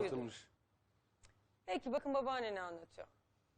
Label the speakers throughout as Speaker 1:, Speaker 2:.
Speaker 1: anlatılmış.
Speaker 2: Peki bakın babaanne ne anlatıyor.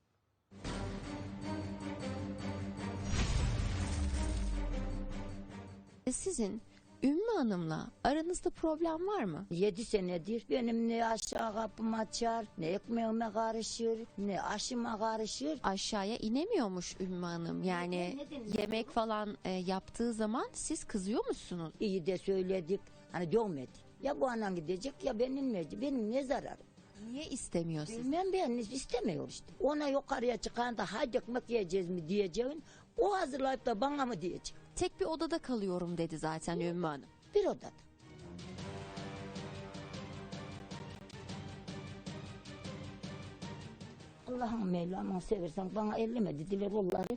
Speaker 3: Sizin Ümmü Hanım'la aranızda problem var mı?
Speaker 4: 7 senedir benim ne aşağı kapımı açar, ne ekmeğime karışır, ne aşıma karışır.
Speaker 3: Aşağıya inemiyormuş Ümmü Hanım. Yani
Speaker 4: Neden?
Speaker 3: yemek falan yaptığı zaman siz kızıyor musunuz?
Speaker 4: İyi de söyledik, hani dövmedik. Ya bu anan gidecek ya ben inmeyeceğim. Benim ne zararım?
Speaker 3: Niye istemiyor siz?
Speaker 4: Bilmem, ben istemiyor işte. Ona yukarıya çıkan da hadi ekmek yiyeceğiz mi diyeceğin, o hazırlayıp da bana mı diyecek?
Speaker 3: Tek bir odada kalıyorum dedi zaten Ümmü Hanım.
Speaker 4: Bir odada. Allah'ım Mevlam'ı seversen bana elleme dediler onları.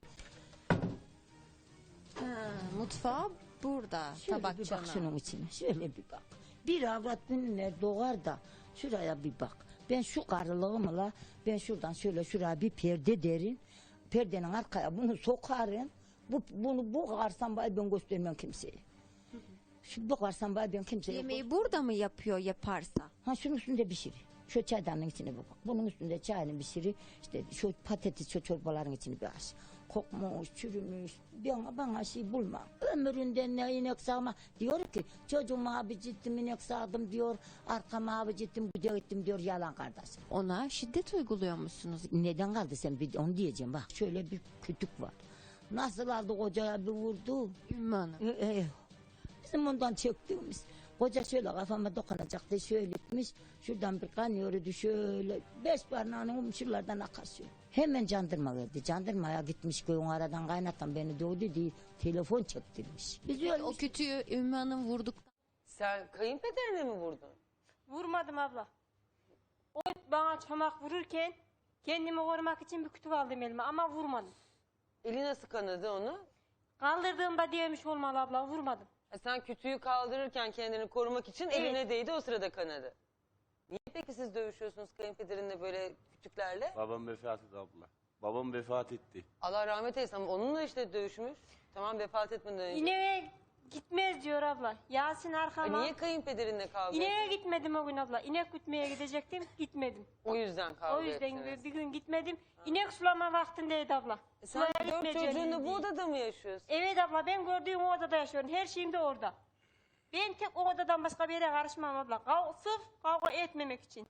Speaker 3: Mutfağı burada.
Speaker 4: Şöyle
Speaker 3: Tabak
Speaker 4: bir bak
Speaker 3: çanağı.
Speaker 4: şunun içine, şöyle bir bak. Bir avrat günler doğar da şuraya bir bak. Ben şu karılığımla ben şuradan şöyle şuraya bir perde derin. Perdenin arkaya bunu sokarım. Bu karsan bay ben göstermem kimseye. Bu karsan bay ben kimseye.
Speaker 3: Yemeği burada mı yapıyor yaparsa?
Speaker 4: Ha şunun üstünde pişir. Şu çaydanın içine bir bak. Bunun üstünde çayını pişir. İşte şu patates, şu çorbaların içini bir aç. Kokmuş, çürümüş. Bana şey bulma. Ömründe ne inek sağma. Diyor ki çocuğuma abi ciddim inek sağdım diyor. Arkama abi ciddim güde gittim diyor, yalan kardeş.
Speaker 3: Ona şiddet uyguluyor musunuz?
Speaker 4: Neden kaldı sen bir onu diyeceğim bak. Şöyle bir kütük var. Nasıl aldı kocaya bir vurdu.
Speaker 3: Ümmü Hanım.
Speaker 4: Bizim ondan çektiğimiz. Koca şöyle kafama dokunacaktı, şöyle gitmiş. Şuradan bir kan yürüdü şöyle. 5 parmağının şuralardan akar şöyle. Hemen jandarma geldi. Jandarmaya gitmiş, köyün aradan kaynatan beni dövdü diye telefon çektirmiş. Biz
Speaker 3: Peki, o kütüğü Ümmü Hanım vurduktan
Speaker 2: Sen kayınpederine mi vurdun?
Speaker 5: Vurmadım abla. O bana çomak vururken kendimi korumak için bir kütük aldım elime ama vurmadım.
Speaker 2: Eli nasıl kanadı onu?
Speaker 5: Kaldırdığımda diyemiş olmalı abla, vurmadım.
Speaker 2: Sen kütüğü kaldırırken kendini korumak için
Speaker 5: Evet.
Speaker 2: eline değdi, o sırada kanadı. Niye peki siz dövüşüyorsunuz kayınpederinle böyle kütüklerle?
Speaker 1: Babam vefat etti abla. Babam vefat etti.
Speaker 2: Allah rahmet eylesin ama onunla işte dövüşmüş. Tamam, vefat etmeden önce.
Speaker 5: İneğe gitmez diyor abla. Yasin arkama.
Speaker 2: Niye kayınpederinle kavga
Speaker 5: İneğe
Speaker 2: ettin?
Speaker 5: gitmedim o gün abla. İnek gütmeye gidecektim, gitmedim.
Speaker 2: O yüzden kavga
Speaker 5: O yüzden
Speaker 2: ettiniz.
Speaker 5: bir gün gitmedim. İnek sulama vaktindeydi abla.
Speaker 2: Sen
Speaker 5: Sulaya
Speaker 2: 4
Speaker 5: gitmeyeceğim
Speaker 2: çocuğunla bu
Speaker 5: diye.
Speaker 2: odada mı yaşıyorsun?
Speaker 5: Evet abla, ben gördüğüm o odada yaşıyorum. Her şeyim de orada. Ben tek o odadan başka bir yere karışmam abla. Sırf kavga etmemek için.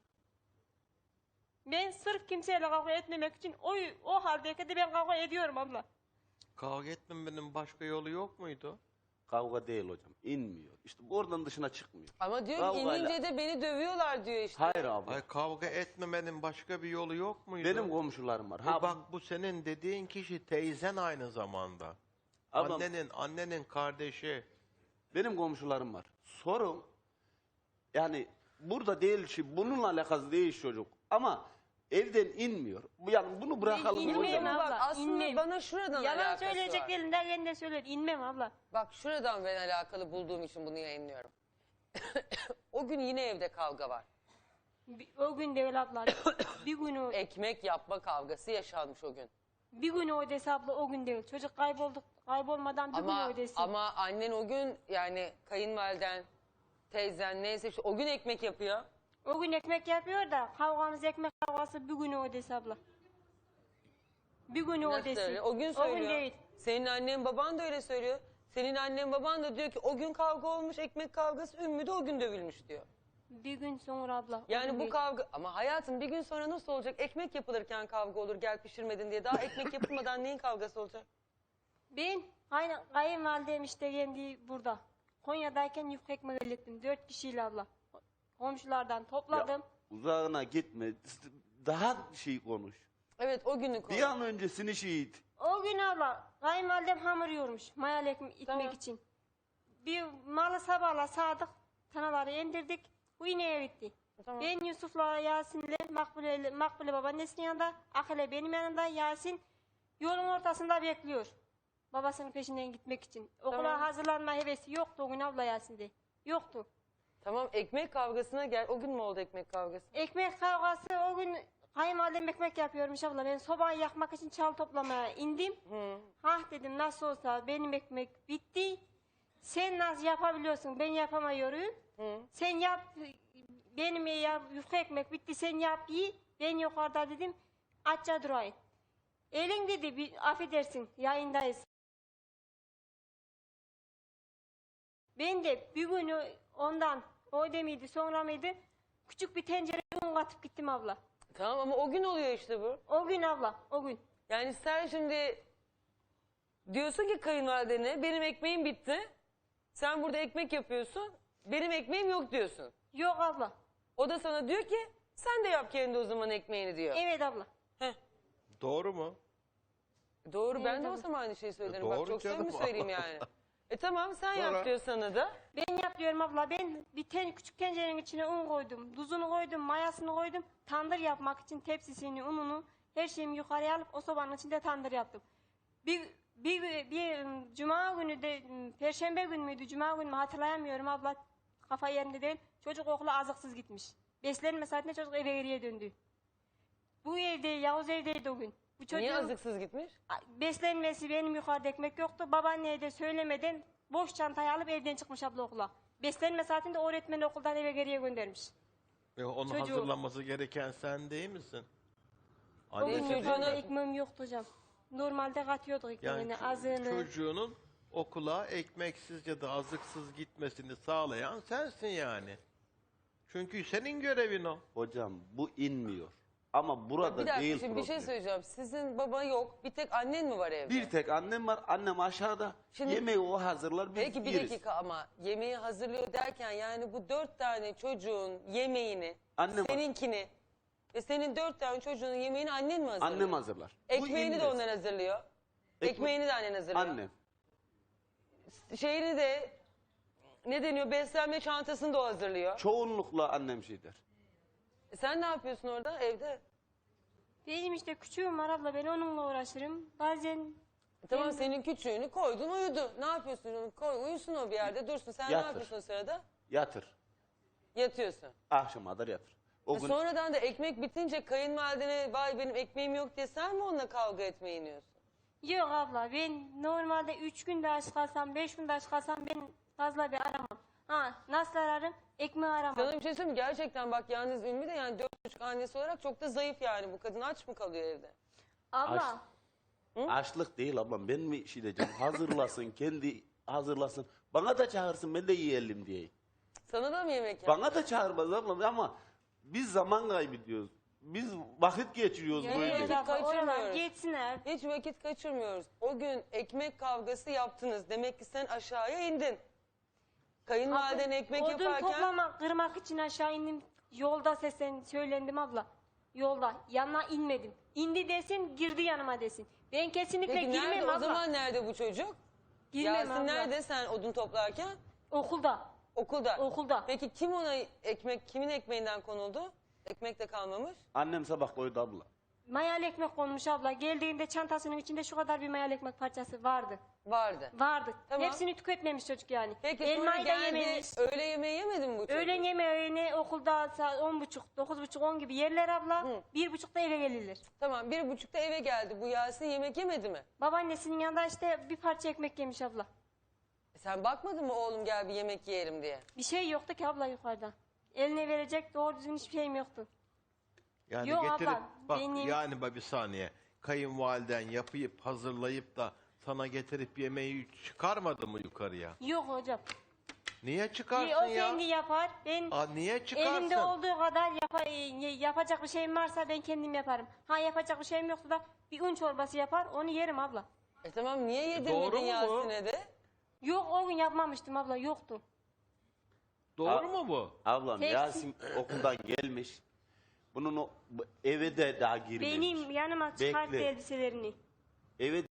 Speaker 5: Ben sırf kimseyle kavga etmemek için o haldeyken de ben kavga ediyorum abla.
Speaker 6: Kavga etmemenin başka yolu yok muydu?
Speaker 1: Kavga değil hocam. İnmiyor. İşte oradan dışına çıkmıyor.
Speaker 2: Ama diyor ki
Speaker 1: Kavgayla-
Speaker 2: inince de beni dövüyorlar diyor işte.
Speaker 1: Hayır abla.
Speaker 6: Ay kavga etmemenin başka bir yolu yok muydu?
Speaker 1: Benim komşularım var.
Speaker 6: Bak bu senin dediğin kişi teyzen aynı zamanda.
Speaker 1: Ablam,
Speaker 6: Annenin kardeşi.
Speaker 1: benim komşularım var. Sorun yani burada değil şey, bununla alakası değil çocuk. Ama evden inmiyor. Yani bunu bırakalım
Speaker 5: İnmem
Speaker 1: hocam.
Speaker 2: Ama bak
Speaker 5: abla,
Speaker 2: aslında
Speaker 5: inmem.
Speaker 2: bana şuradan
Speaker 5: Yalan
Speaker 2: alakası
Speaker 5: söyleyecek
Speaker 2: var.
Speaker 5: elinden kendine söyler. İnmem abla.
Speaker 2: Bak şuradan ben alakalı bulduğum için bunu yayınlıyorum. O gün yine evde kavga var.
Speaker 5: O gün de öyle abla. bir gün o,
Speaker 2: Ekmek yapma kavgası yaşanmış o gün.
Speaker 5: bir gün o ödesi abla, o gün değil. Çocuk kaybolmadan bir gün
Speaker 2: Ama,
Speaker 5: ödesi.
Speaker 2: ama annen o gün yani kayınvaliden, teyzen neyse işte o gün ekmek yapıyor.
Speaker 5: O gün ekmek yapıyor da kavgamız ekmek kavgası bir gün ödesi abla. Bir gün
Speaker 2: Nasıl
Speaker 5: ödesi.
Speaker 2: öyle? O gün
Speaker 5: O gün
Speaker 2: söylüyor.
Speaker 5: değil.
Speaker 2: Senin annen baban da öyle söylüyor. Senin annen baban da diyor ki o gün kavga olmuş, ekmek kavgası, Ümmü de o gün dövülmüş diyor.
Speaker 5: Bir gün sonra abla. o
Speaker 2: Yani
Speaker 5: gün
Speaker 2: bu
Speaker 5: değil.
Speaker 2: kavga ama hayatım bir gün sonra nasıl olacak? Ekmek yapılırken kavga olur, gel pişirmedin diye. Daha ekmek yapılmadan neyin kavgası olacak?
Speaker 5: Ben aynen kayınvalidem işte kendi burada. Konya'dayken yufka ekmek hallettim. 4 kişiyle abla. Komşulardan topladım.
Speaker 1: Ya, uzağına gitme. Daha şey konuş.
Speaker 2: Evet, o günü konu.
Speaker 1: Bir an öncesini şehit.
Speaker 5: O gün abla kayınvalidem hamur yoğurmuş mayalı ekmek
Speaker 2: Tamam.
Speaker 5: için. Bir malı sabahla sağdık, tanaları indirdik. Bu ineğe gitti.
Speaker 2: Tamam.
Speaker 5: Ben Yusuf'la Yasin'le Makbule babaannesinin yanında, Akile benim yanımda, Yasin yolun ortasında bekliyor. Babasının peşinden gitmek için. Okula
Speaker 2: Tamam.
Speaker 5: hazırlanma hevesi yoktu o gün abla Yasin'de. Yoktu.
Speaker 2: Tamam, ekmek kavgasına gel. O gün mü oldu ekmek kavgası?
Speaker 5: Ekmek kavgası o gün kayınvalidem ekmek yapıyormuş abla. Ben sobayı yakmak için çal toplamaya indim. Hah dedim, nasıl olsa benim ekmek bitti. Sen nasıl yapabiliyorsun, ben yapamıyorum. Sen yap, benim yufka ekmek bitti sen yap iyi. Ben yukarıda dedim açça durayım. Elin dedi bir affedersin yayındayız. Ben de bir gün ondan o demiydi sonra mıydı küçük bir tencereye un katıp gittim abla.
Speaker 2: Tamam ama o gün oluyor işte bu.
Speaker 5: O gün abla o gün.
Speaker 2: Yani sen şimdi diyorsun ki kayınvalidene benim ekmeğim bitti. Sen burada ekmek yapıyorsun. Benim ekmeğim yok diyorsun.
Speaker 5: Yok abla.
Speaker 2: O da sana diyor ki sen de yap kendi o zaman ekmeğini diyor.
Speaker 5: Evet abla.
Speaker 2: Heh.
Speaker 6: Doğru mu?
Speaker 2: Doğru ben de
Speaker 5: tabii.
Speaker 2: olsam aynı şeyi söylerim.
Speaker 6: Doğru
Speaker 2: Bak çok
Speaker 6: canım.
Speaker 2: samimi söyleyeyim yani. Tamam sen
Speaker 6: Sonra?
Speaker 2: yap diyor sana da.
Speaker 5: Ben yapıyorum abla. Ben bir küçük tencerenin içine un koydum. Tuzunu koydum, mayasını koydum. Tandır yapmak için tepsisini, ununu, her şeyimi yukarıya alıp o sobanın içinde tandır yaptım. Bir cuma günü de, perşembe günü müydü, cuma günü mü hatırlayamıyorum abla. Kafa yerinde değil. Çocuk okula azıksız gitmiş. Beslenme saatinde çocuk eve geriye döndü. Bu evde, Yavuz evdeydi o gün. Bu çocuğun
Speaker 2: Niye azıksız gitmiş?
Speaker 5: beslenmesi benim yukarıda ekmek yoktu. Babaanneye de söylemeden boş çantayı alıp evden çıkmış abla okula. Beslenme saatinde öğretmeni okuldan eve geriye göndermiş.
Speaker 6: Onun
Speaker 5: Çocuğu-
Speaker 6: hazırlanması gereken sen değil misin?
Speaker 5: O
Speaker 6: Annesi
Speaker 5: gün
Speaker 6: değil mi?
Speaker 5: yukarıda ekmeğim yoktu hocam. Normalde katıyorduk ekmeğini,
Speaker 6: Yani
Speaker 5: azığını.
Speaker 6: çocuğunun okula ekmeksiz ya da azıksız gitmesini sağlayan sensin yani. Çünkü senin görevin o.
Speaker 1: Hocam bu inmiyor. Ama burada
Speaker 2: Bir dakika
Speaker 1: değil
Speaker 2: şimdi bir şey
Speaker 1: problem.
Speaker 2: söyleyeceğim. Sizin baba yok. Bir tek annen mi var evde?
Speaker 1: Bir tek annem var. Annem aşağıda.
Speaker 2: Şimdi-
Speaker 1: Yemeği o hazırlar. Biz
Speaker 2: Peki bir
Speaker 1: yeriz.
Speaker 2: dakika ama yemeği hazırlıyor derken yani bu 4 tane çocuğun yemeğini,
Speaker 1: Annem-
Speaker 2: seninkini ve senin 4 tane çocuğun yemeğini annen mi hazırlıyor?
Speaker 1: Annem hazırlar. Bu
Speaker 2: Ekmeğini de
Speaker 1: inmez.
Speaker 2: onlar hazırlıyor.
Speaker 1: Ekme-
Speaker 2: Ekmeğini de annen hazırlıyor.
Speaker 1: Annem.
Speaker 2: Şeyini de ne deniyor beslenme çantasını da o hazırlıyor.
Speaker 1: Çoğunlukla annem şey der.
Speaker 2: Sen ne yapıyorsun orada evde?
Speaker 5: Benim işte küçüğüm var abla, ben onunla uğraşırım. Bazen
Speaker 2: Tamam senin küçüğünü koydun uyudu. Ne yapıyorsun onu? Koy uyusun o bir yerde dursun. Sen ne
Speaker 1: Yatır.
Speaker 2: yapıyorsun o sırada?
Speaker 1: Yatır.
Speaker 2: Yatıyorsun.
Speaker 1: Akşama kadar yatır. O gün
Speaker 2: Sonradan da ekmek bitince kayınvalidene vay benim ekmeğim yok diye sen mi onunla kavga etmeyi iniyorsun?
Speaker 5: yok abla, ben normalde 3 günde aç kalsam, 5 günde aç kalsam ben fazla bir aramam. Ha, nasıl ararım? Ekmeği aramam.
Speaker 2: Sana bir şey söyleyeyim mi? Gerçekten bak yalnız Ümmü de yani 4,5 annesi olarak çok da zayıf yani. Bu kadın aç mı kalıyor evde?
Speaker 5: Abla,
Speaker 1: açlık değil ablam. Ben mi şey diyeceğim? Hazırlasın, kendi hazırlasın. Bana da çağırsın, ben de yiyelim diye.
Speaker 2: Sana da mı yemek yap?
Speaker 1: Bana da çağırmaz ablam ama biz zaman kaybediyoruz. Biz vakit geçiriyoruz
Speaker 5: evet
Speaker 1: böyle.
Speaker 2: vakit
Speaker 5: abla, oralar
Speaker 2: kaçırmıyoruz.
Speaker 5: geçsinler.
Speaker 2: Hiç vakit kaçırmıyoruz. O gün ekmek kavgası yaptınız. Demek ki sen aşağıya indin. Kayınvaliden ekmek
Speaker 5: Odun
Speaker 2: yaparken...
Speaker 5: toplamak, kırmak için aşağı indim. Yolda söylendim abla. Yolda. Yanına inmedim. İndi desin, girdi yanıma desin. Ben kesinlikle
Speaker 2: Peki
Speaker 5: girmem
Speaker 2: nerede
Speaker 5: abla.
Speaker 2: o zaman nerede bu çocuk?
Speaker 5: Girmem
Speaker 2: Yasin
Speaker 5: abla.
Speaker 2: nerede sen odun toplarken?
Speaker 5: Okulda.
Speaker 2: Okulda.
Speaker 5: Okulda.
Speaker 2: Peki kim ona ekmek, kimin ekmeğinden konuldu? Ekmek de kalmamış.
Speaker 1: Annem sabah koydu abla.
Speaker 5: Mayalı ekmek konmuş abla. Geldiğinde çantasının içinde şu kadar bir mayalı ekmek parçası vardı.
Speaker 2: Vardı.
Speaker 5: Vardı.
Speaker 2: Tamam.
Speaker 5: Hepsini tüketmemiş çocuk yani.
Speaker 2: Peki sonra
Speaker 5: Elmayı da
Speaker 2: geldi,
Speaker 5: yememiş.
Speaker 2: öğle yemeği yemedi mi bu çocuk?
Speaker 5: Öğlen yemeğini okulda saat 10.30, 9.30, 10 gibi yerler abla. 1.30'da eve gelirler.
Speaker 2: Tamam 1,5'da eve geldi. Bu Yasin yemek yemedi mi?
Speaker 5: Babaannesinin yanında işte bir parça ekmek yemiş abla.
Speaker 2: Sen bakmadın mı oğlum gel bir yemek yiyelim diye?
Speaker 5: Bir şey yoktu ki abla yukarıda. Eline verecek doğru düzgün hiçbir şeyim yoktu.
Speaker 6: Yani
Speaker 5: Yok
Speaker 6: getirip
Speaker 5: abla,
Speaker 6: bak
Speaker 5: benim-
Speaker 6: yani bak bir saniye. Kayınvaliden yapıp hazırlayıp da sana getirip yemeği çıkarmadı mı yukarıya?
Speaker 5: Yok hocam.
Speaker 6: Niye çıkarsın
Speaker 5: O
Speaker 6: ya?
Speaker 5: kendi yapar. Ben
Speaker 6: Niye çıkarsın?
Speaker 5: elimde olduğu kadar yapacak bir şeyim varsa ben kendim yaparım. Ha yapacak bir şeyim yoksa da bir un çorbası yapar onu yerim abla.
Speaker 2: Tamam niye
Speaker 6: doğru
Speaker 2: yedirmedin
Speaker 6: mu bu?
Speaker 2: Yasin'e de?
Speaker 5: Yok o gün yapmamıştım abla yoktu.
Speaker 6: Doğru mu bu?
Speaker 1: Ablam
Speaker 5: Tepsi-
Speaker 1: Yasin okuldan gelmiş. Bunun bu eve de daha girmemiş.
Speaker 5: Benim yanıma çıkarttı
Speaker 1: Bekle.
Speaker 5: elbiselerini.
Speaker 1: Eve